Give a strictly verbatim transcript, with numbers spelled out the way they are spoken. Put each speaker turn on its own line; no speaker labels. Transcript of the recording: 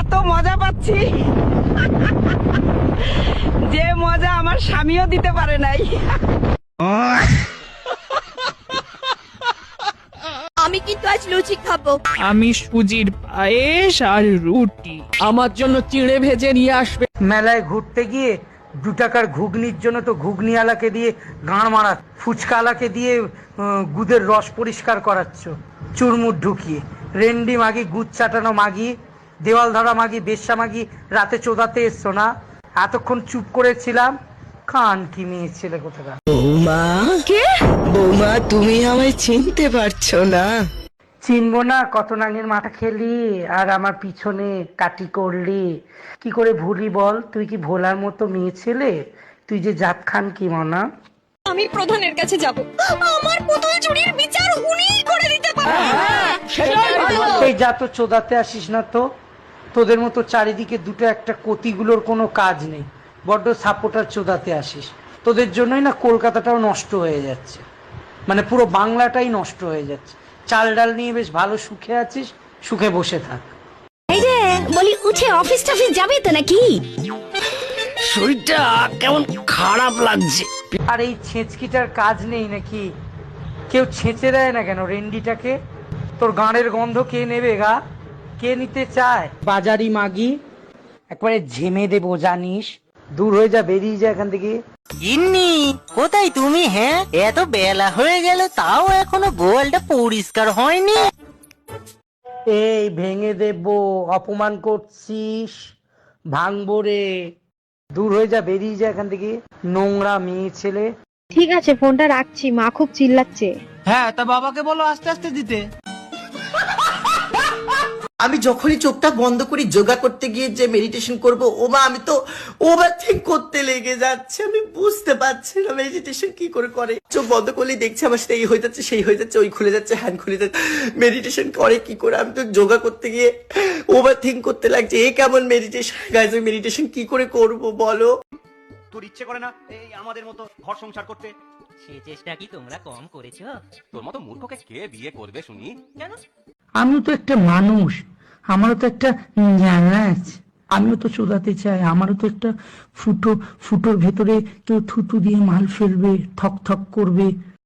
এত মজা পাচ্ছি যে মজা আমার স্বামীও দিতে পারে নাই।
আমি কিন্তু আজ লুচি খাবো।
আমি সুজির পায়েস আর রুটি।
আমার জন্য চিড়ে ভেজে নিয়ে আসবে।
মেলায় ঘুরতে গিয়ে দু টাকার ঘুগনির জন্য তো ঘুগনিওয়ালাকে দিয়ে গাঁড় মারা, ফুচকাওয়ালাকে দিয়ে আহ, গুদের রস পরিষ্কার করাচ্ছ চুরমুর ঢুকিয়ে। রেন্ডি মাগি, গুদ চাটানো মাগি, দেওয়াল ধরা মাগি, বেশ্যা মাগি, রাতে চোদাতে এসছো না? এতক্ষণ চুপ করেছিলাম, কান কি মেয়ে ছেলে কোথাকার।
বৌমা, কে বৌমা? তুমি আমায় চিনতে পারছো না?
চিনবো না? কত নাঙের মাথা খেলি আর আমার পিছনে কাটি করলি, কি করে ভুলি বল? তুই কি ভোলার মতো মেয়ে ছেলে? তুই যে জাত খান কি মনা?
আমি প্রধানের কাছে যাব, আমার পুতুল চুরির বিচার উনিই করে দিতে পারবেন।
এই যা তো চোদাতে আসিস না তো। তোদের মতো চারিদিকে দুটো একটা কতিগুলোর কোনো কাজ নেই, বড্ড সাপোর্টার চোদাতে আসিস। তোদের জন্যই না কলকাতাটাও নষ্ট হয়ে যাচ্ছে, মানে পুরো বাংলাটাই নষ্ট হয়ে যাচ্ছে। চাল ডাল নিয়ে বেশ ভালো সুখে আছিস, সুখে বসে থাক।
এই যে বলি, উঠে অফিস টফিস যাবে তো নাকি?
শরীরটা কেমন খারাপ লাগছে।
আর এই ছেঁচকিটার কাজ নেই নাকি? কেউ ছেঁচে দেয় না কেন রেন্ডিটাকে? তোর গাঁড়ের গন্ধ কে নেবে গা? কে নিতে চায়? বাজারি মাগি, একবারে ঝেমে দেবো জানিস। দূর হয়ে যা, বেরিয়ে যা এখান থেকে।
গিন্নি, কোথায় তুমি? হ্যাঁ, এত বেলা হয়ে গেল তাও এখনো গোয়ালটা পরিষ্কার হয়নি।
এই ভেঙে দেবো, অপমান করছিস, ভাঙবো রে। দূর হয়ে যা, বেরিয়ে যা এখান থেকে, নোংরা মেয়ে ছেলে।
ঠিক আছে, ফোনটা রাখছি, মা খুব চিল্লাচ্ছে।
হ্যাঁ, তা বাবাকে বলো আস্তে আস্তে দিতে।
আমি যখনই চোখটা বন্ধ করি যোগা করতে গিয়ে যে মেডিটেশন করব, ও মা আমি তো ওভার থিঙ্ক করতে লেগে যাচ্ছে। আমি বুঝতে পারছি না মেডিটেশন কি করে করে। চোখ বন্ধ করলেই দেখছি আমার সাথে এই হয়ে যাচ্ছে, সেই হয়ে যাচ্ছে, ওই খুলে যাচ্ছে, হ্যান্ড খুলে যাচ্ছে। মেডিটেশন করে কি করে? আমি তো যোগা করতে গিয়ে ওভার থিঙ্ক করতে লাগছে। এ কেমন মেডিটেশন? গাইজ, আমি মেডিটেশন কি করে করব বলো?
তোর ইচ্ছে করে না এই আমাদের মতো ঘর সংসার করতে?
সে চেষ্টা কি তোমরা কম করেছো?
তোর মতো মূর্খকে কে বিয়ে করবে শুনি?
কেন?
আমিও তো একটা মানুষ, আমারও তো একটা জ্ঞান আছে। আমিও তো চোদাতে চাই, আমারও তো একটা ফুটো, ফুটোর ভেতরে কেউ থুতু দিয়ে মাল ফেলবে, থক থক করবে,